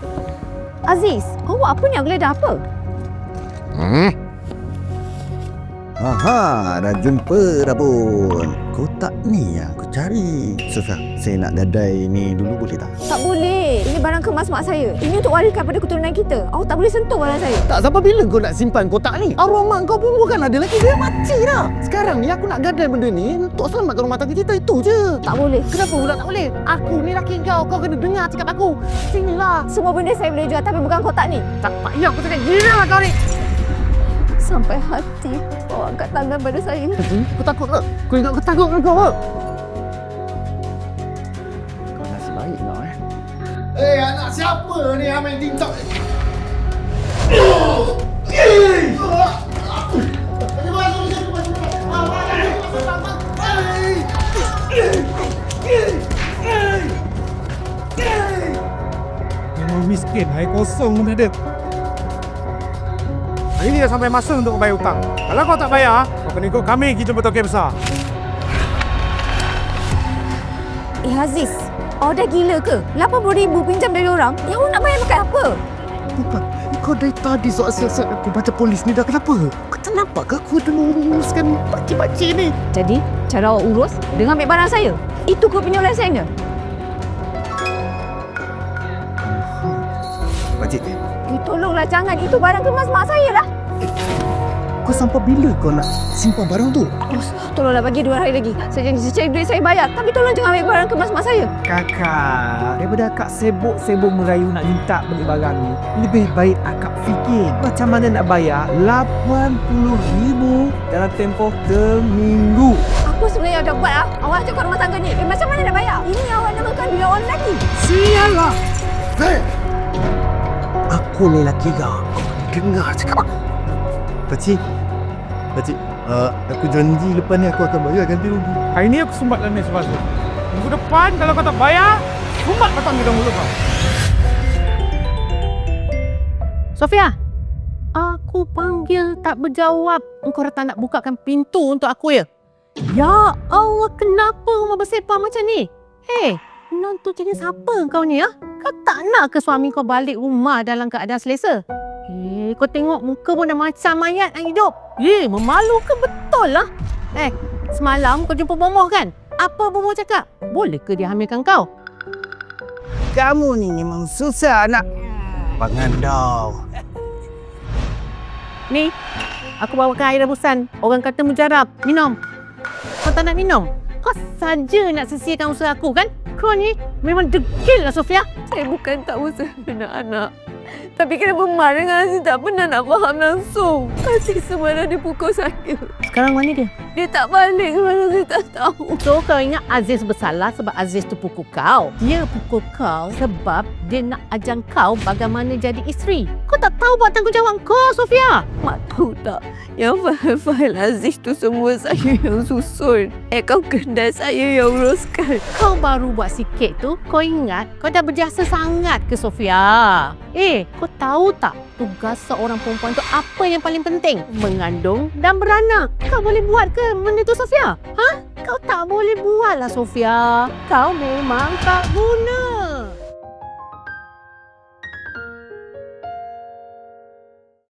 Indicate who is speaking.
Speaker 1: Aziz, kau buat apa ni? Aku geledah apa?
Speaker 2: Aha, dah jumpa dah pun. Kotak ni yang aku cari. Sofia, saya nak gadai ni dulu boleh tak?
Speaker 1: Tak boleh. Ini barang kemas mak saya. Ini untuk wariskan pada keturunan kita. Awak tak boleh sentuh barang saya.
Speaker 2: Tak, sampai bila kau nak simpan kotak ni? Arwah mak kau pun bukan ada lagi. Dia mati dah. Sekarang ni aku nak gadai benda ni untuk selamatkan rumah tangga kita. Itu je.
Speaker 1: Tak boleh.
Speaker 2: Kenapa pula tak boleh? Aku ni laki kau kena dengar cakap aku. Sinilah.
Speaker 1: Semua benda saya boleh jual tapi bukan kotak ni.
Speaker 2: Tak payah aku cakap gila lah kau ni.
Speaker 1: Sampai hati kau angkat tangan pada saya.
Speaker 2: Kau takut ke? Kau ingat aku takut ke kau ke? Kau nasib baik kau anak siapa ni yang main TikTok?
Speaker 3: Memang miskin, air kosong pun ada. Hari ni dah sampai masa untuk bayar hutang. Kalau kau tak bayar, kau kena ikut kami pergi jumpa Tokek Besar.
Speaker 1: Aziz, awak dah gila ke? 80,000 pinjam dari orang. Yang awak nak bayar pakai apa?
Speaker 2: Bukan, kau dari tadi soal siasat aku baca polis ni dah kenapa? Kau tak nampak ke aku dah uruskan pakcik-pakcik ni?
Speaker 1: Jadi, cara awak urus dengan ambil barang saya. Itu kau punya lesen.
Speaker 2: Pakcik,
Speaker 1: Tolonglah jangan. Itu barang kemas mak saya lah.
Speaker 2: kau sampai bila kau nak simpan barang tu?
Speaker 1: Tolonglah bagi 2 hari lagi. Saya janji cari duit saya bayar. Tapi tolong jangan ambil barang kemas mak saya.
Speaker 4: Kakak, daripada akak sibuk merayu nak minta beli barang ni, lebih baik akak fikir macam mana nak bayar 80,000 dalam tempoh seminggu.
Speaker 1: Apa sebenarnya awak dah buat? Awak cakap rumah tangga ni. Macam mana nak bayar? Ini awak namakan duit orang lelaki.
Speaker 4: Sialah!
Speaker 2: Hei! Aku ni lelaki kau. Kau dengar cakap aku. Pakcik, aku janji lepas ni aku akan bayar ganti rugi.
Speaker 3: Hari ni aku sumbat dalam ni sebab tu. Minggu depan kalau kau tak bayar, sumbat batang di dalam mulut kau.
Speaker 5: Sofia, aku panggil tak berjawab. Engkau datang nak bukakan pintu untuk aku ya? Ya Allah, kenapa rumah bersepah macam ni? Hei, menantu jenis apa kau ni ya? Kau tak nak ke suami kau balik rumah dalam keadaan selesa? Kau tengok muka pun dah macam mayat yang hidup. Memalukan betul lah. Semalam kau jumpa Bomoh kan? Apa Bomoh cakap? Boleh ke dia hamilkan kau?
Speaker 4: Kamu ni memang susah nak
Speaker 2: Pangandau.
Speaker 5: Ni, aku bawakan air rebusan. Orang kata mujarab. Minum. Kau tak nak minum? Kau saja nak sisihkan usaha aku kan? Kau ni memang degil lah Sofia.
Speaker 1: Saya bukan tak usaha anak-anak. Tapi kenapa Mak dengan Aziz tak pernah nak faham langsung. Aziz semalam dia pukul saya.
Speaker 5: Sekarang mana dia?
Speaker 1: Dia tak balik semalam, saya tak tahu.
Speaker 5: So kau ingat Aziz bersalah sebab Aziz tu pukul kau? Dia pukul kau sebab dia nak ajar kau bagaimana jadi isteri. Kau tak tahu buat tanggungjawab kau, Sofia.
Speaker 1: Mak tahu tak? Yang fail Aziz tu semua saya yang susun. Akaun kedai saya yang uruskan.
Speaker 5: Kau baru buat sikit tu, kau ingat kau dah berjasa sangat ke Sofia? Kau tahu tak tugas seorang perempuan tu apa yang paling penting? Mengandung dan beranak. Kau boleh buat ke benda tu Sofia? Kau tak boleh buat lah Sofia. Kau memang tak guna.